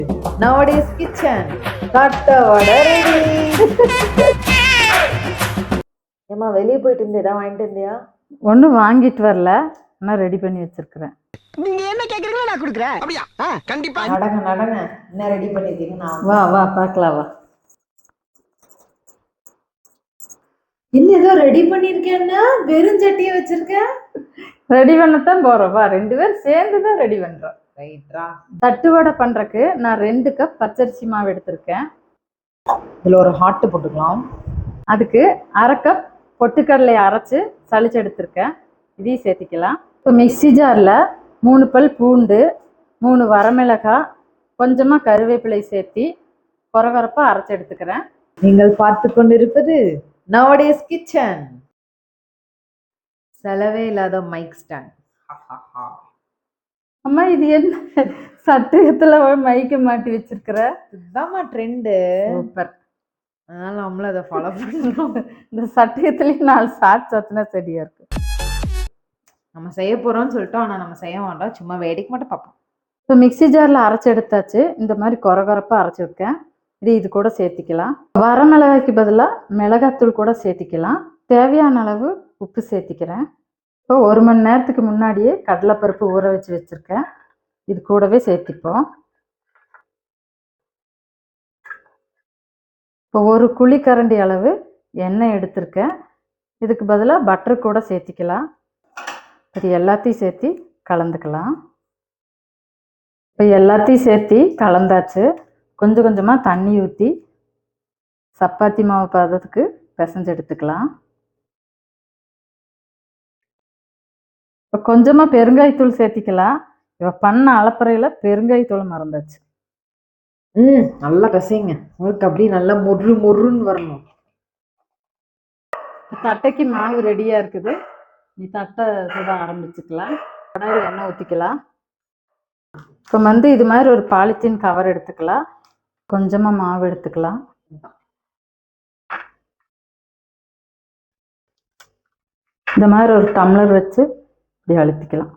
Nowadays kitchen. தட்டை வடை ready. ஏமா வெளியே போயிட்டு இருந்து ஏதாவது வாங்கிட்டு இருந்தியா? ஒன்றும் வாங்கிட்டு வரல, நான் ரெடி பண்ணி வச்சிருக்கிறேன். நீங்க என்ன கேக்குறீங்களோ நான் கொடுக்குறேன். அப்படியா? கண்டிப்பா. நடங்க நடங்க, என்ன ரெடி பண்ணிருக்கீங்க? வா வா பார்க்கலாம் வா. இன்னும் ஏதோ ரெடி பண்ணிருக்கேன்னா வெறும் சட்டியை வச்சிருக்கேன். ரெடி பண்ணத்தான் போறோம், வா 2 பேரும் சேர்ந்து தான் ரெடி பண்றோம். ரைட்ரா. தட்டு வடை பண்றதுக்கு நான் 2 கப் பச்சரிசி மாவு எடுத்திருக்கேன். இதுல ஒரு ஹாட் போட்டுக்கலாம். அதுக்கு 1/2 கப் பொட்டுக்கடலை அரைச்சு சளிச்சு எடுத்திருக்கேன், இதையும் சேர்த்திக்கலாம். இப்போ மிக்சி ஜாரில் 3 பல் பூண்டு, 3 வரமிளகாய், கொஞ்சமாக கருவேப்பிலை சேர்த்தி கொரகொரப்பாக அரைச்சி எடுத்துக்கிறேன். நீங்கள் பார்த்து கொண்டிருப்பது நவடேஸ் கிச்சன். செலவே இல்லாத மைக் ஸ்டாண்ட். அம்மா இது என்ன சட்டத்துல மைக்க மாட்டி வச்சிருக்கிற? இதுதாம்மா ட்ரெண்டு. சூப்பர். அதனால நம்மளும் அதை ஃபாலோ பண்ணுறோம். இந்த சட்டயத்துலேயும் 4 ஷார்ட்ஸ் வச்சுனா சரியா இருக்கு. நம்ம செய்ய போறோம்னு சொல்லிட்டோம், ஆனால் நம்ம செய்ய வேண்டாம், சும்மா வேடிக்கை மட்டும் பார்ப்போம். இப்போ மிக்சி ஜாரில் அரைச்சி எடுத்தாச்சு. இந்த மாதிரி கொரகொரப்பாக அரைச்சிருக்கேன். இது கூட சேர்த்திக்கலாம். வரமிளகாய்க்கு பதிலாக மிளகாத்தூள் கூட சேர்த்திக்கலாம். தேவையான அளவு உப்பு சேர்த்திக்கிறேன். இப்போ 1 மணி நேரத்துக்கு முன்னாடியே கடலைப்பருப்பு ஊற வச்சு வச்சுருக்கேன், இது கூடவே சேர்த்திப்போம். இப்போ 1 குழிக்கரண்டி அளவு எண்ணெய் எடுத்திருக்கேன், இதுக்கு பதிலாக பட்டர் கூட சேர்த்திக்கலாம். இது எல்லாத்தையும் சேர்த்தி கலந்துக்கலாம். இப்போ எல்லாத்தையும் சேர்த்தி கலந்தாச்சு. கொஞ்சம் கொஞ்சமாக தண்ணி ஊற்றி சப்பாத்தி மாவு பதத்துக்கு பிசைஞ்சு எடுத்துக்கலாம். இப்போ கொஞ்சமாக பெருங்காயத்தூள் சேர்த்திக்கலாம். இப்போ பண்ண அளப்பறையில் பெருங்காயத்தூள் மறந்தாச்சு. நல்லா பிசைங்க, உங்களுக்கு அப்படியே நல்லா மொறு மொறுன்னு வரணும். தட்டைக்கு மாவு ரெடியாக இருக்குது, நீ தட்டை சுட ஆரம்பிச்சுக்கலாம். கடாயில் எண்ணெய் ஊற்றிக்கலாம். இப்போ இது மாதிரி ஒரு பாலித்தீன் கவர் எடுத்துக்கலாம். கொஞ்சமாக மாவு எடுத்துக்கலாம். இந்த மாதிரி ஒரு டம்ளர் வச்சு இப்படி அழுத்திக்கலாம்.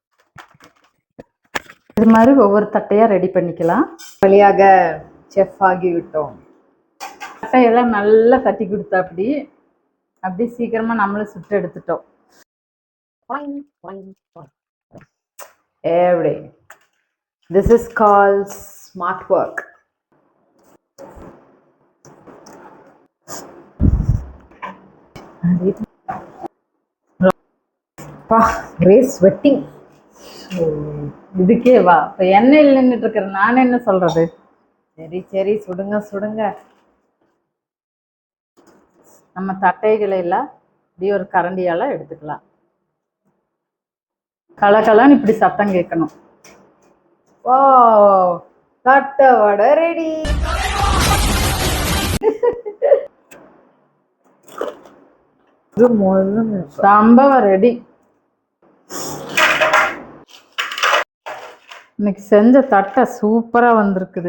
இது மாதிரி ஒவ்வொரு தட்டையாக ரெடி பண்ணிக்கலாம். வழியாக செஃப் ஆகிவிட்டோம். தட்டையெல்லாம் நல்லா தட்டி கொடுத்தா அப்படி சீக்கிரமாக நம்மளும் சுட்டு எடுத்துட்டோம். Every this is called smart work. Sweating. இதுக்கே வா. இப்போ எண்ணெயில் நின்றுட்டு இருக்கிற நான் என்ன சொல்றது? சரி சரி, சுடுங்க சுடுங்க. நம்ம தட்டைகளை எல்லாம் இப்படி ஒரு கரண்டியால எடுத்துக்கலாம். கலகலன்னு இப்படி சத்தம் கேட்கணும். வா, தட்டை வடை ரெடி. சம்பவம் ரெடி. இன்னைக்கு செஞ்ச தட்டை சூப்பராக வந்திருக்குது.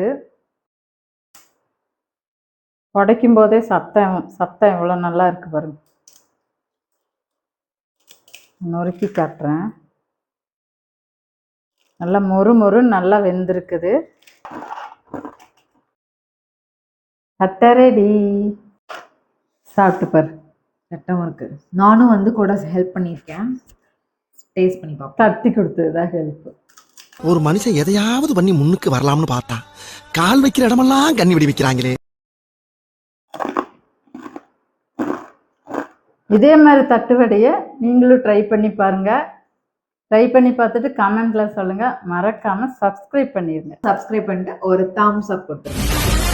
உடைக்கும் போதே சத்தம் எவ்வளோ நல்லா இருக்கு பாருங்க. நொறுக்கி காட்டுறேன். நல்லா மொறு மொறு நல்லா வெந்திருக்குது. தட்டை ரெடி. சாப்பிட்டு பாரு. சட்டம் இருக்கு. நானும் கூட ஹெல்ப் பண்ணியிருக்கேன். டேஸ்ட் பண்ணி பார்ப்போம். தட்டி கொடுத்ததுதான் ஹெல்ப். ஒரு மனுஷன் எதையாவது பண்ணி முன்னுக்கு வரலாம்னு பார்த்தா கால் வைக்கிற இடமெல்லாம் கண்ணி விடி வைக்கிறாங்களே. இதே மாதிரி தட்டு வடையை நீங்களும் ட்ரை பண்ணி பாருங்க. ட்ரை பண்ணி பார்த்துட்டு கமெண்ட்ல சொல்லுங்க. மறக்காம சப்ஸ்கிரைப் பண்ணிருங்க. சப்ஸ்கிரைப் பண்ணிட்டு ஒரு தம்ஸ் அப் கொடுத்துருங்க.